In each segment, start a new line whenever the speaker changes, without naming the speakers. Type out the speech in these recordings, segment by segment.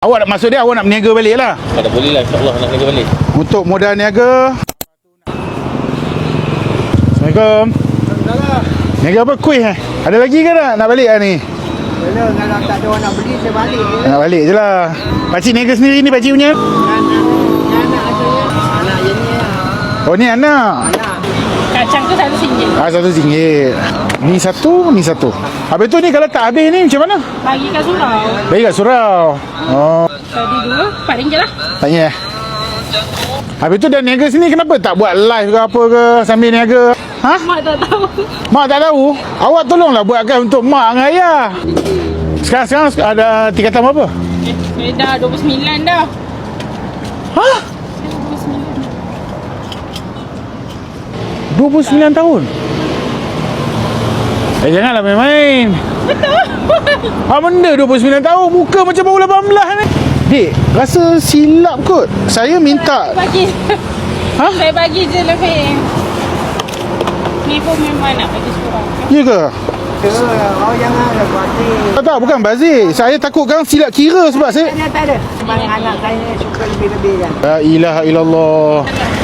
Awak maksud dia awak nak berniaga balik lah?
Tak boleh lah, insyaAllah nak niaga balik.
Untuk modal niaga. Assalamualaikum. Niaga apa? Kuih Ada lagi ke nak balik lah ni?
Kalau tak ada orang nak beli, saya balik je.
Nak balik je lah. Pakcik niaga sendiri ni pakcik punya?
Anak saya. Anak je ni.
Oh ni anak.
Kacang tu RM1.
RM1. Ni satu. Habis tu ni kalau tak habis ni macam mana?
Bagi kat surau.
Bagi kat surau. Oh.
Tadi dulu RM4 lah.
Tanya. Habis tu dah niaga sini kenapa tak buat live ke apa ke sambil niaga? Ha?
Mak tak tahu.
Mak tak tahu? Awak tolonglah buatkan untuk mak dengan ayah. Sekarang ada tingkatan berapa?
Dah 29 dah.
Ha? 29 tahun? Janganlah main-main.
Betul.
Apa benda 29 tahun? Muka macam baru 18 ni. Dik, rasa silap kot. Saya minta.
Bagi.
Ha?
Saya bagi je lebih. Ni pun memang nak bagi surau.
Ya ke?
Awak janganlah buat
Tak, bukan bazir. Saya takut kan silap kira sebab saya...
Tak ada. Sebab anak saya ni suka lebih-lebih kan.
La ilaha illallah.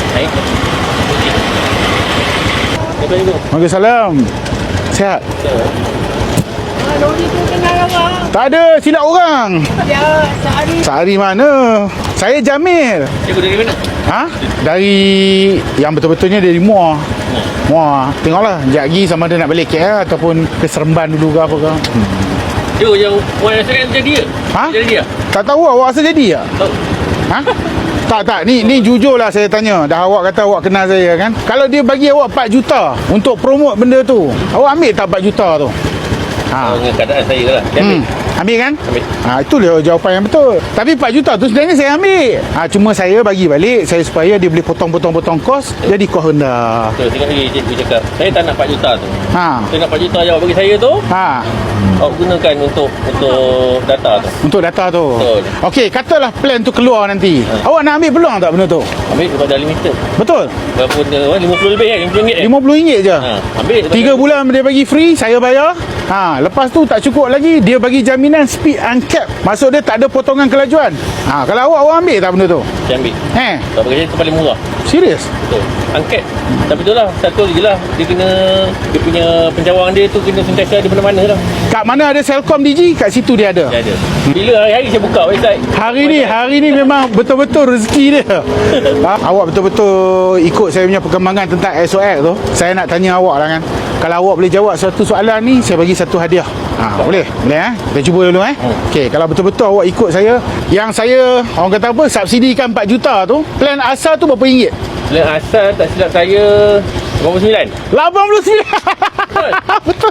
Waalaikumsalam. Sihat?
Lori tu kenal awak.
Tak ada, silap orang.
Ya, sehari.
Sehari mana? Saya Jamil.
Cikgu dari mana?
Ha? Dari yang betul-betulnya dari Muar. Muar. Tengoklah, sekejap lagi sama ada nak balik KL ataupun ke Seremban dulu ke apa ke.
Dia yang orang yang saya jadi ke?
Ha?
Jadi dia?
Tak tahu awak rasa jadi tak?
Tahu.
Ha? Tak, ni jujurlah saya tanya. Dah awak kata awak kenal saya kan. Kalau dia bagi awak 4 juta untuk promote benda tu, awak ambil tak 4 juta tu? Ha.
Dengan keadaan saya lah. Saya ambil.
Ambil kan?
Ambil.
Itu dia jawapan yang betul. Tapi 4 juta tu sebenarnya saya ambil. Cuma saya bagi balik saya supaya dia boleh potong kos, jadi kos rendah.
Betul, tengok lagi cikgu cakap. Saya tak nak 4 juta tu.
Ha.
Saya nak 4 juta yang awak bagi saya tu,
Ha.
awak gunakan untuk data tu.
Untuk data tu.
Betul.
Okey, katalah plan tu keluar nanti. Awak nak ambil peluang tak benda tu?
Ambil sebab dah limited.
Betul?
Berapa dia? RM50 lebih kan? RM50 kan?
RM50 je.
Ha, ambil.
3 bulan dia bagi free, saya bayar. Lepas tu tak cukup lagi, dia bagi jaminan speed uncapped. Maksud dia tak ada potongan kelajuan. Kalau awak ambil tak benda tu?
Saya ambil. Sebab bagi saya tu paling murah.
Serius?
Betul. Angkat. Tapi tu lah, satu je lah. Dia punya pencawang dia tu kena sentiasa di mana-mana lah.
Kat mana ada Celcom Digi, kat situ dia ada.
Dia ada. Bila hari-hari saya buka website.
Hari ni memang betul-betul rezeki dia. Awak betul-betul ikut saya punya perkembangan tentang SOX tu. Saya nak tanya awak lah kan. Kalau awak boleh jawab satu soalan ni, saya bagi satu hadiah. Boleh? Boleh Kita cuba dulu Okey, kalau betul-betul awak ikut saya, yang saya orang kata apa, subsidikan 4 juta tu, plan asal tu berapa ringgit?
Plan asal tak silap saya 89.
89. Betul.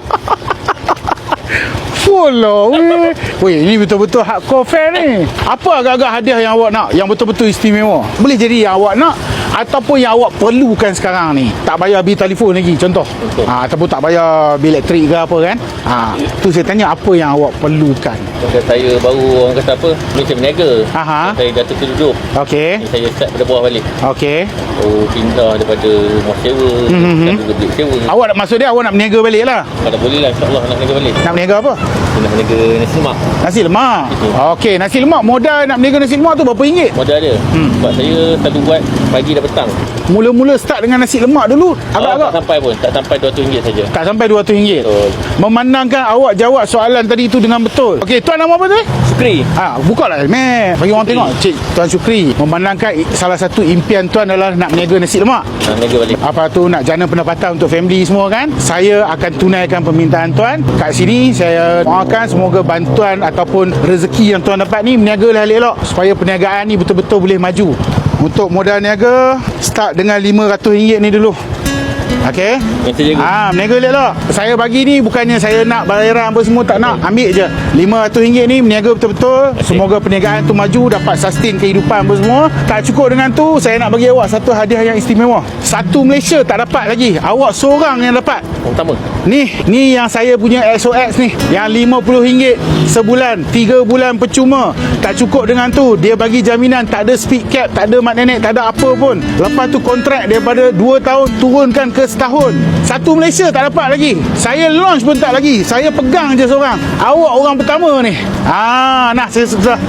Full lah. Weh, ini betul-betul hardcore fan ni. Apa agak-agak hadiah yang awak nak, yang betul-betul istimewa? Boleh jadi yang awak nak ataupun yang awak perlukan sekarang ni. Tak bayar bil telefon lagi contoh. Ataupun tak bayar bil elektrik ke apa kan. Tu saya tanya apa yang awak perlukan.
Masa saya baru orang kata apa, Malaysia berniaga. Saya dah terduduk.
Okey.
Saya start pada bawah balik.
Okey.
Pindah daripada rumah sewa, dan juga bilik sewa.
Awak maksud dia awak nak berniaga balik lah?
Tak boleh lah, insyaAllah nak berniaga balik.
Nak berniaga apa?
Nak berniaga nasi lemak.
Nasi lemak. Okey, nasi lemak. Modal nak berniaga nasi lemak tu berapa ringgit?
Modal dia. Sebab saya selalu buat pagi dan petang.
Mula-mula start dengan nasi lemak dulu agak-agak
tak sampai pun, tak sampai RM200 saja.
Tak sampai RM200.
Betul.
Memandangkan awak jawab soalan tadi tu dengan betul. Okey, tuan nama apa tu?
Syukri.
Buka lah bagi orang tengok. Cik Tuan Syukri, memandangkan salah satu impian tuan adalah nak berniaga nasi lemak.
Nak berniaga balik.
Apa tu, nak jana pendapatan untuk family semua kan. Saya akan tunaikan permintaan tuan. Kat sini saya doakan semoga bantuan ataupun rezeki yang tuan dapat ni berniagalah elok-elok supaya perniagaan ni betul-betul boleh maju. Untuk modal niaga, start dengan RM500 ni dulu. Okey. Berniaga elok-elok. Saya bagi ni bukannya saya nak bayaran apa semua, tak nak. Ambil je RM500 ni, berniaga betul-betul. Semoga perniagaan tu maju, dapat sustain kehidupan apa semua. Tak cukup dengan tu, saya nak bagi awak satu hadiah yang istimewa. Satu Malaysia tak dapat lagi. Awak seorang yang dapat.
Pertama.
Ni yang saya punya SOX ni, yang RM50 sebulan, 3 bulan percuma. Tak cukup dengan tu, dia bagi jaminan tak ada speed cap, tak ada mat nenek, tak ada apa pun. Lepas tu kontrak daripada 2 tahun turunkan ke setahun. Satu Malaysia tak dapat lagi. Saya launch pun tak lagi. Saya pegang je seorang. Awak orang pertama ni. Nah saya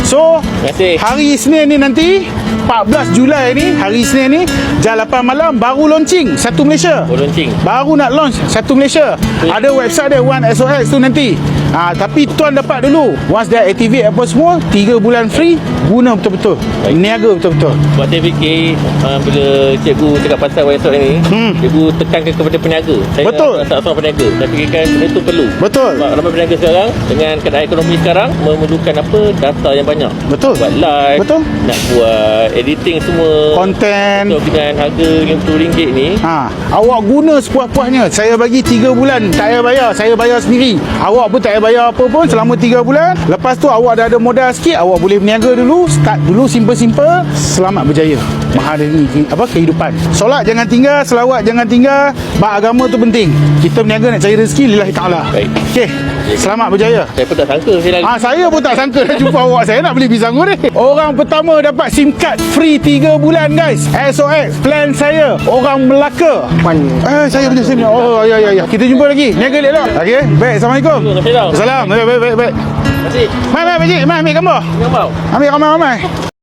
So
Terima kasih.
hari Isnin ni nanti 14 Julai ni, hari Isnin ni jam 8 malam baru launching Satu Malaysia.
Launching.
Baru nak launch Satu Malaysia. Ada website dia One SOX tu nanti. Tapi tuan dapat dulu. Once dah activate apa semua, 3 bulan free, guna betul-betul.
Baik.
Niaga betul-betul.
Sebab saya fikir bila cikgu cakap pasal WhatsApp ni, cikgu tekankan kepada peniaga. Saya
Betul.
seorang peniaga. Saya fikirkan benda tu perlu.
Betul.
Sebab ramai peniaga sekarang dengan keadaan ekonomi sekarang memerlukan apa? Data yang banyak.
Betul.
Buat live,
Betul.
nak buat editing semua.
Konten.
So, dengan harga RM50 ni,
Awak guna sepuas-puasnya. Saya bagi 3 bulan tak payah bayar. Saya bayar sendiri. Awak pun tak payah bayar apa pun selama 3 bulan. Lepas tu awak dah ada modal sikit, awak boleh berniaga dulu. Start dulu simple-simple. Selamat berjaya menghadapi kehidupan. Solat jangan tinggal, selawat jangan tinggal. Bab agama tu penting. Kita berniaga nak cari rezeki lillahi ta'ala.
Baik.
Okey. Selamat berjaya.
saya pun tak sangka saya lagi.
Saya pun tak sangka nak jumpa awak. Saya nak beli pisang goreng. Orang pertama dapat SIM card free 3 bulan guys. SOX plan saya. Orang Melaka. Saya punya SIM. Oh ya. Kita jumpa lagi. Niaga elok. Okey. Baik. Assalamualaikum.
Terima kasih.
Salam. Baik.
Terima kasih.
Mai pakcik. Mai ambil gambar.
Gambar.
Ambil ramai-ramai.